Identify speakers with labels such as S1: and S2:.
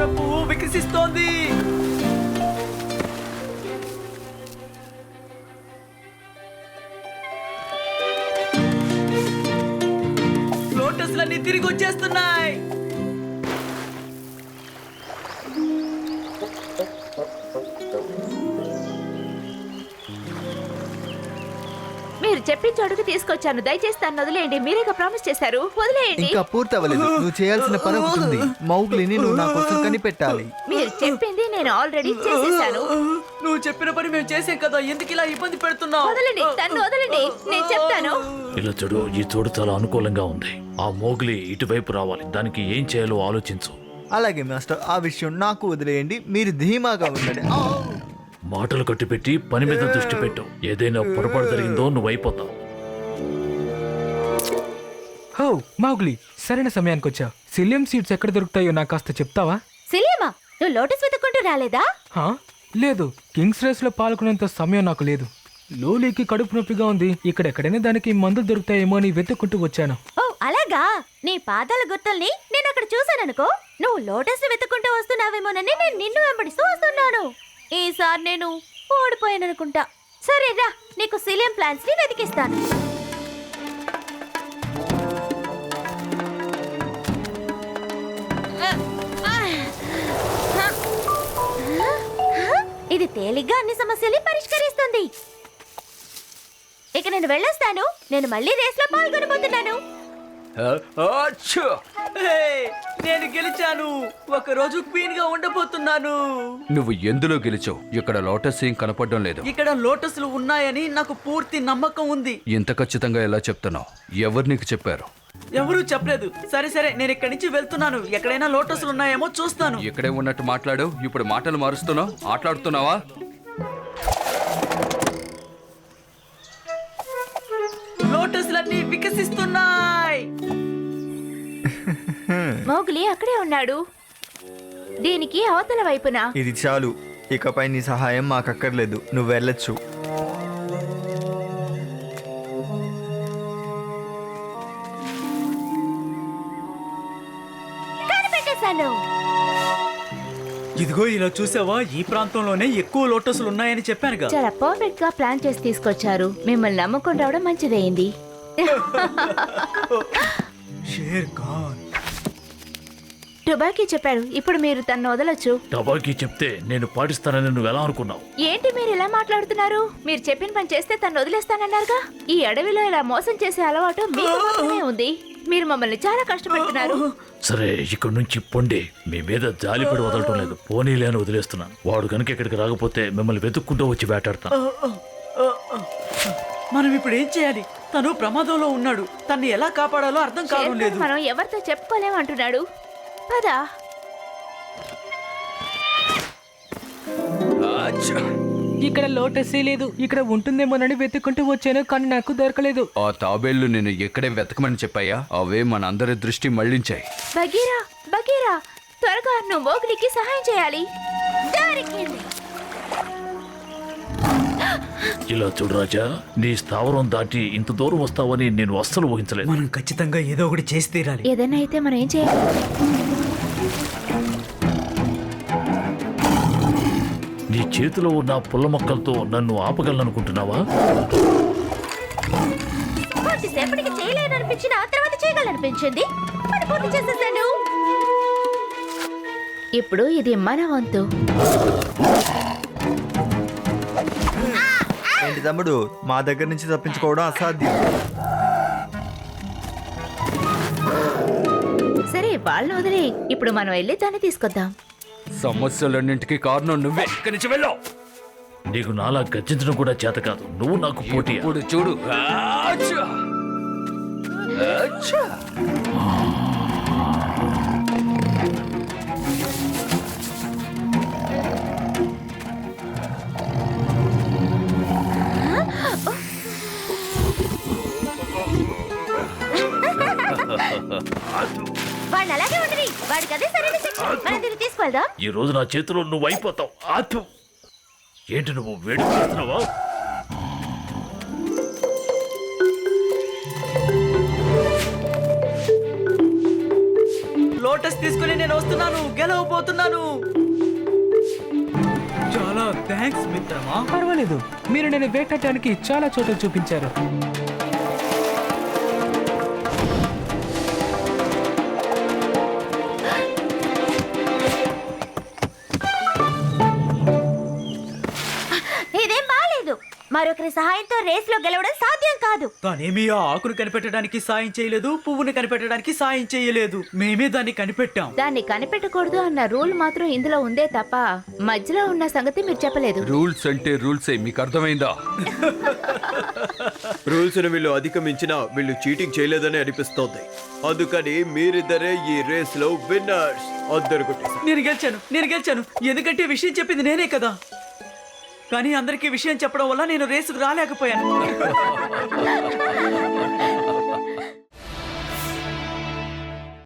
S1: కమల పువ్వు వికసిస్తోంది. లోటస్లన్నీ తిరిగి వచ్చేస్తున్నాయి.
S2: మీరు చెప్పిన చోటుకు తీసుకొచ్చాను. దయచేసి తను వదిలేయండి. మీరేగా ప్రామిస్ చేశారు. వదిలేయండి.
S3: ఇంకా పూర్తి అవ్వలేదు. నువ్వు చేయాల్సిన పని ఒకటి ఉంది. మౌగ్లీని నువ్వు నా కోసం కనిపెట్టాలి.
S2: మీరు చెప్పింది నేను ఆల్రెడీ చేసేసాను.
S1: నువ్వు చెప్పిన పని మేము చేసాం కదా, ఎందుకు ఇలా ఇబ్బంది పెడుతున్నావు?
S2: వదలండి, తను వదలండి. నేను చెప్తాను.
S4: ఇలా చూడు, ఈ చోటు చాలా అనుకూలంగా ఉంది. ఆ మోగ్లీ ఇటువైపు రావాలి. దానికి ఏం చేయాలో ఆలోచించు.
S3: అలాగే మాస్టర్, ఆ విషయం నాకు వదిలేయండి. మీరు ధీమాగా ఉండండి.
S4: మాటలు కట్టిపెట్టి పని మీద దృష్టి పెట్టు. ఏదైనా పొరపాటు జరిగిందో నువ్వు అయిపోతావు.
S5: హో మౌగ్లీ, సరైన సమయానికి వచ్చా. సిలియం సీడ్స్ ఎక్కడ దొరుకుతాయో నాకు కాస్త చెప్తావా?
S2: సిలియమా, నువ్వు లోటస్ వెతుక్కుంటూ రాలేదా?
S5: హా? లేదు, కింగ్స్ రేస్ లో పాల్గొనేంత సమయం నాకు లేదు. లోలీకి కడుపు నొప్పిగా ఉంది. ఇక్కడెక్కడైనా దానికి మందులు దొరుకుతాయేమో అని వెతుక్కుంటూ వచ్చాను.
S2: ఓ అలాగా. నీ పాదాల గుర్తుల్ని నేను అక్కడ చూశాననుకో. నువ్వు లోటస్ వెతుక్కుంటూ వస్తున్నావేమోనని నేను నిన్ను వెంబడిస్తూ వస్తున్నాను. ఈసారి నేను ఓడిపోయాననుకుంటా. సరే రా, నీకు సిలియం ప్లాంట్స్ ని వెతికిస్తాను. ఇది తేలిగ్గా అన్ని సమస్యల్ని పరిష్కరిస్తుంది. ఇక నేను వెళ్ళొస్తాను. నేను మళ్ళీ రేస్ లో పాల్గొనబోతున్నాను.
S1: హే, నేను గెలిచాను. ఒక రోజు క్వీన్ గా ఉండబోతున్నాను.
S6: నువ్వు ఎందులో గెలిచావు? ఇక్కడ లోటస్ ఏం కనపడడం లేదు.
S1: ఇక్కడ లోటస్లు ఉన్నాయని నాకు పూర్తి నమ్మకం ఉంది.
S6: ఇంత ఖచ్చితంగా ఎలా చెప్తున్నావు? ఎవరు నీకు చెప్పారు?
S1: ఎవరూ చెప్పలేదు. సరే సరే, నేను ఇక్కడి నుంచి వెళ్తున్నాను. ఎక్కడైనా లోటస్లు ఉన్నాయేమో చూస్తాను.
S6: ఇక్కడే ఉన్నట్టు మాట్లాడు. ఇప్పుడు మాటలు మారుస్తున్నావు. ఆటలాడుతున్నావా?
S1: లోటస్లన్నీ వికసిస్తున్నాయి.
S2: మౌగ్లీ అక్కడే ఉన్నాడు. దీనికి అవతల వైపున.
S3: ఇది చాలు. ఇకపై నీ సహాయం మాకక్కర్లేదు. నువ్వు వెళ్ళొచ్చు.
S2: కనిపెట్టేశాను.
S1: ఇదిగో ఇలా చూసావా, ఈ ప్రాంతంలోనే ఎక్కువ లోటస్లు ఉన్నాయని చెప్పానుగా.
S2: చాలా పర్ఫెక్ట్ గా ప్లాన్ చేసి తీసుకొచ్చారు. మిమ్మల్ని నమ్ముకొని రావడం మంచిదైంది.
S1: షేర్ ఖాన్
S2: టుబాకీ చెప్పాడు. ఇప్పుడు మీరు తన్ను వదలొచ్చు.
S4: టబాకీ చెప్తే నేను పాటిస్తానని నువ్వు ఎలా అనుకున్నావు?
S2: ఏంటి మీరు ఇలా మాట్లాడుతున్నారు? మీరు చెప్పిన పని చేస్తే తను వదిలేస్తానన్నారుగా. ఈ అడవిలో ఇలా మోసం చేసే అలవాటు మీకు మాత్రమే ఉంది. మీరు మమ్మల్ని చాలా కష్టపెడుతున్నారు.
S4: సరే, ఇక్కడి నుంచి పొండి. మీ మీద జాలిపడి వదలటం లేదు. పోనీలే అని వదిలేస్తున్నాను. వాడు కనుక ఇక్కడికి రాకపోతే మిమ్మల్ని వెతుక్కుంటూ వచ్చి వేటాడతాను.
S1: మనం ఇప్పుడు ఏం చేయాలి? తను ప్రమాదంలో ఉన్నాడు. తన్ని ఎలా కాపాడాలో అర్థం కావడం లేదు.
S2: మనం ఎవరితో చెప్పుకోలేమంటున్నాడు. పదా.
S5: ఇక్కడ లోటస్ లేదు. ఇక్కడ ఉంటుందేమోనని వెతుక్కుంటూ వచ్చాను, కానీ నాకు దొరకలేదు.
S6: ఆ తాబేళ్లు నేను ఎక్కడే వెతకమని చెప్పాయా? అవే మనందరి దృష్టి మళ్లించాయి.
S2: బగీరా, బగీరా, త్వరగా నువ్వు మోగ్లీకి సహాయం చేయాలి. దొరికింది.
S4: ఇలా చూడు రాజా, నీ స్థావరం దాటి ఇంత దూరం వస్తావని నేను అస్సలు ఊహించలేదు.
S1: మనం ఖచ్చితంగా ఏదో ఒకటి చేసి తీరాలి.
S2: ఏదైనా అయితే మనం ఏం చేయాలి?
S4: నీ చేతిలో ఉన్న పుల్ల మొక్కలతో నన్ను ఆపగలనుకుంటున్నావా?
S2: కొద్దిసేపటికి చేయలేననిపించిన ఆ తర్వాత చేయగలనిపించింది. మరి పూర్తి చేసేసాను. ఇప్పుడు ఇది మన వంతు.
S3: ఏంటి తమ్ముడు, మా దగ్గర నుంచి తప్పించుకోవడం అసాధ్యం.
S2: సరే, వాళ్ళని వదిలే. ఇప్పుడు మనం వెళ్ళి దాన్ని తీసుకొద్దాం.
S6: సమస్యలన్నింటికి కారణం నువ్వే. ఇక్కడి నుంచి వెళ్ళావు.
S4: నీకు నాలా గర్జించడం కూడా చేత కాదు. నువ్వు నాకు పోటీ.
S6: ఇప్పుడు చూడు. ఆచ్చా! ఆచ్చా!
S2: వాడిని అలాగే ఉండని. వాడికి అదే సరైన శిక్ష. మనం దీన్ని తీసుకెళ్దాం.
S4: ఈ రోజు నా చేతిలో నువ్వు అయిపోతావు. ఆతు ఏంటి నువ్వు వేడి చేస్తున్నావా?
S1: లోటస్ తీసుకుని నేను వస్తున్నాను, గెలవబోతున్నాను. చాలా థ్యాంక్స్ మిత్రమా.
S5: పర్వాలేదు, మీరు నేను వేటాడటానికి చాలా చోట్ల చూపించారు.
S2: ఇదేం బాలేదు. మరొకరి సహాయంతో రేస్లో గెలవడం సాధ్యం కాదు.
S1: తనేమి ఆ ఆకును కనిపెట్టడానికి సాయం చేయలేదు, పువ్వుని కనిపెట్టడానికి సాయం చేయలేదు. మేమే దాన్ని కనిపెట్టాం.
S2: దాన్ని కనిపెట్టకూడదు అన్న రూల్ మాత్రం ఇందులో ఉందే తప్ప మధ్యలో ఉన్న సంగతి మీరు చెప్పలేదు.
S6: రూల్స్ అంటే రూల్సే, మీకు అర్థమైందా?
S7: రూల్స్ ను వీళ్ళు అధిగమించినా వీళ్ళు చీటింగ్ చేయలేదని అనిపిస్తోంది. అందుకని మీరిద్దరే ఈ రేస్ లో విన్నర్స్. అందరు కొట్టేశారు.
S1: నేను గెలిచాను ఎందుకంటే విషయం చెప్పింది నేనే కదా. కానీ అందరికీ విషయం చెప్పడం వల్ల నేను రేసుకు రాలేకపోయాను.